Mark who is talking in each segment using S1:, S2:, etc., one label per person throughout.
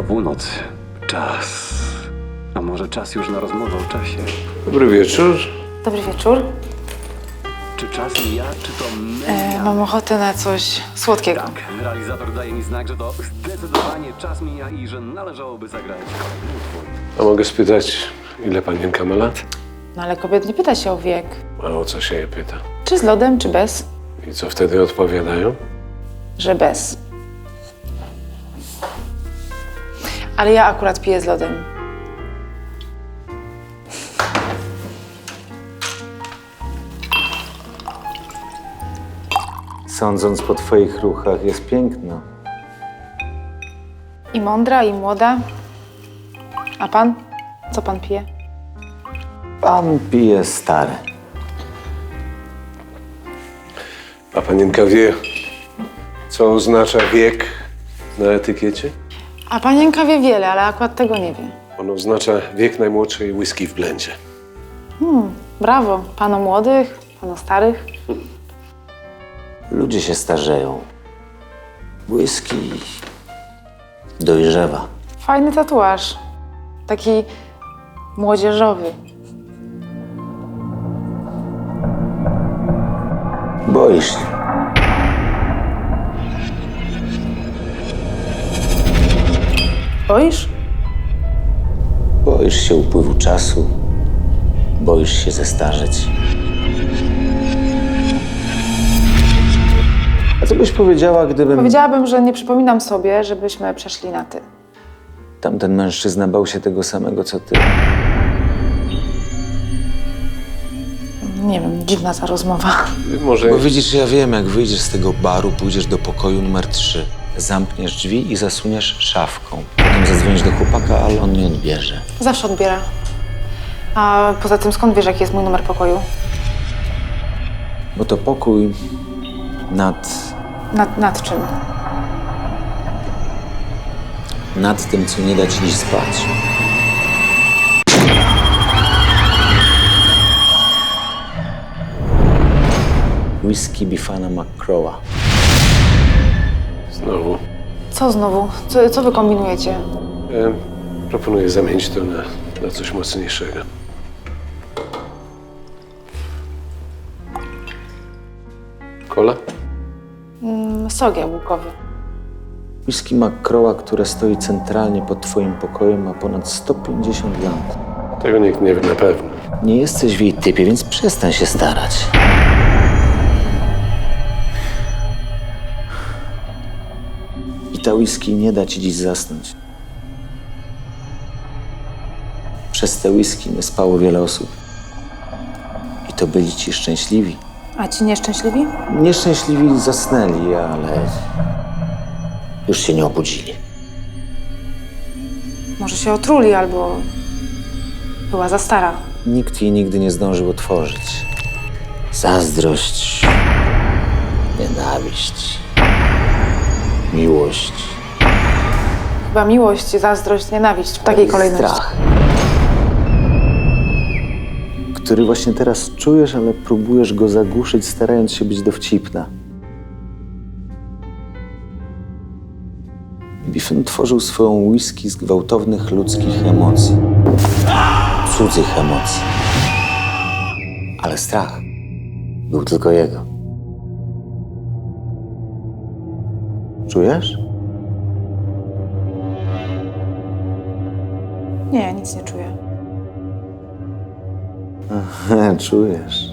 S1: północy. Czas. A może czas już na rozmowę o czasie?
S2: Dobry wieczór.
S3: Dobry wieczór.
S1: Czy czas mija, czy to my?
S3: Mam ochotę na coś słodkiego.
S1: Tak, realizator daje mi znak, że to zdecydowanie czas mija i że należałoby zagrać kolejny utwór.
S2: A mogę spytać, ile panienka ma lat?
S3: No ale kobiet nie pyta się o wiek.
S2: A o co się je pyta?
S3: Czy z lodem, czy bez?
S2: I co wtedy odpowiadają?
S3: Że bez. Ale ja akurat piję z lodem.
S4: Sądząc po twoich ruchach, jest piękna.
S3: I mądra, i młoda. A pan? Co pan pije?
S4: Pan pije stare.
S2: A panienka wie, co oznacza wiek na etykiecie?
S3: A panienka wie wiele, ale akurat tego nie wie.
S2: On oznacza wiek najmłodszej whisky w blendzie.
S3: Brawo. Pano młodych, pano starych.
S4: Ludzie się starzeją. Whisky dojrzewa.
S3: Fajny tatuaż. Taki młodzieżowy.
S4: Boisz się.
S3: Boisz?
S4: Boisz się upływu czasu. Boisz się zestarzeć. A co byś powiedziała, gdybym...
S3: Powiedziałabym, że nie przypominam sobie, żebyśmy przeszli na ty.
S4: Tamten mężczyzna bał się tego samego, co ty.
S3: Nie wiem, dziwna ta rozmowa.
S2: Może
S4: Bo widzisz, ja wiem, jak wyjdziesz z tego baru, pójdziesz do pokoju numer 3. Zamkniesz drzwi i zasuniesz szafką. Potem zadzwonisz do chłopaka, ale on nie odbierze.
S3: Zawsze odbiera. A poza tym skąd wiesz, jaki jest mój numer pokoju?
S4: Bo to pokój nad
S3: Nad czym?
S4: nad tym, co nie da ci dziś spać. Whisky Bifana McCrowa.
S2: znowu.
S3: Co znowu? Co wy kombinujecie?
S2: Proponuję zamienić to na coś mocniejszego. Kola?
S3: Sok jabłkowy.
S4: Whisky McCrowa, które stoi centralnie pod twoim pokojem, ma ponad 150 lat.
S2: Tego nikt nie wie na pewno.
S4: Nie jesteś w jej typie, więc przestań się starać. I ta whisky nie da ci dziś zasnąć. Przez te whisky nie spało wiele osób. I to byli ci szczęśliwi.
S3: A ci nieszczęśliwi?
S4: Nieszczęśliwi zasnęli, ale już się nie obudzili.
S3: Może się otruli albo była za stara.
S4: Nikt jej nigdy nie zdążył otworzyć. Zazdrość, nienawiść, miłość,
S3: Chyba miłość, zazdrość, nienawiść w takiej kolejności.
S4: strach, który właśnie teraz czujesz, ale próbujesz go zagłuszyć, starając się być dowcipna. Biffen tworzył swoją whisky z gwałtownych ludzkich emocji. Cudzych emocji. Ale strach był tylko jego. Czujesz?
S3: Nie, nic nie czuję.
S4: Czujesz.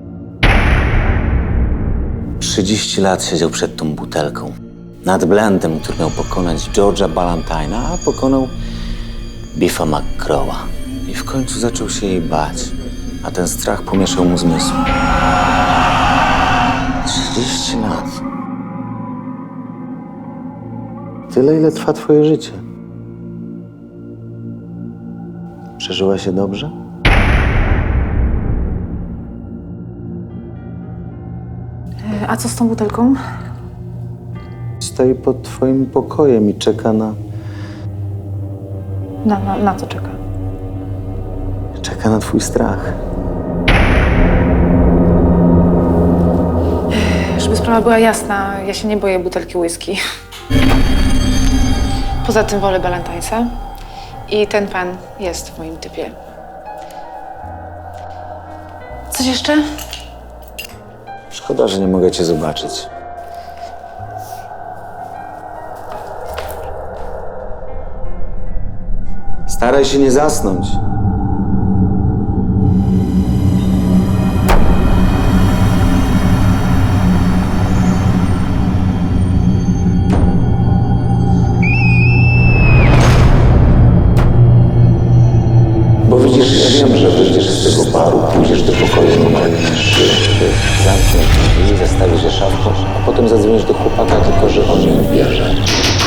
S4: 30 lat siedział przed tą butelką. Nad blendem, który miał pokonać George'a Ballantyne'a, a pokonał Biffa McCrowa. I w końcu zaczął się jej bać, a ten strach pomieszał mu zmysł. 30 lat. Tyle, ile trwa twoje życie. Przeżyłaś je dobrze?
S3: A co z tą butelką?
S4: Stoi pod twoim pokojem i czeka na...
S3: Na co czeka?
S4: Czeka na twój strach.
S3: Żeby sprawa była jasna, ja się nie boję butelki whisky. Poza tym wolę Balantańsa i ten pan jest w moim typie. Coś jeszcze?
S4: Szkoda, że nie mogę cię zobaczyć. Staraj się nie zasnąć. Bo widzisz, ja wiem, że wyjdziesz z tego baru, pójdziesz do pokoju numer 3, zamkniesz drzwi, zastawisz je szafką, a potem zadzwonisz do chłopaka, tylko że on nie odbierze.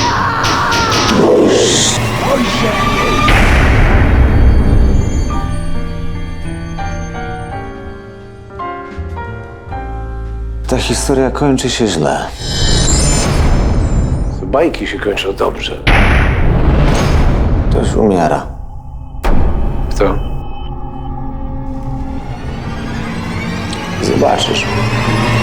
S4: Ta historia kończy się źle.
S2: Bajki się kończą dobrze.
S4: Ktoś umiera.
S2: Kto?
S4: Zobaczysz.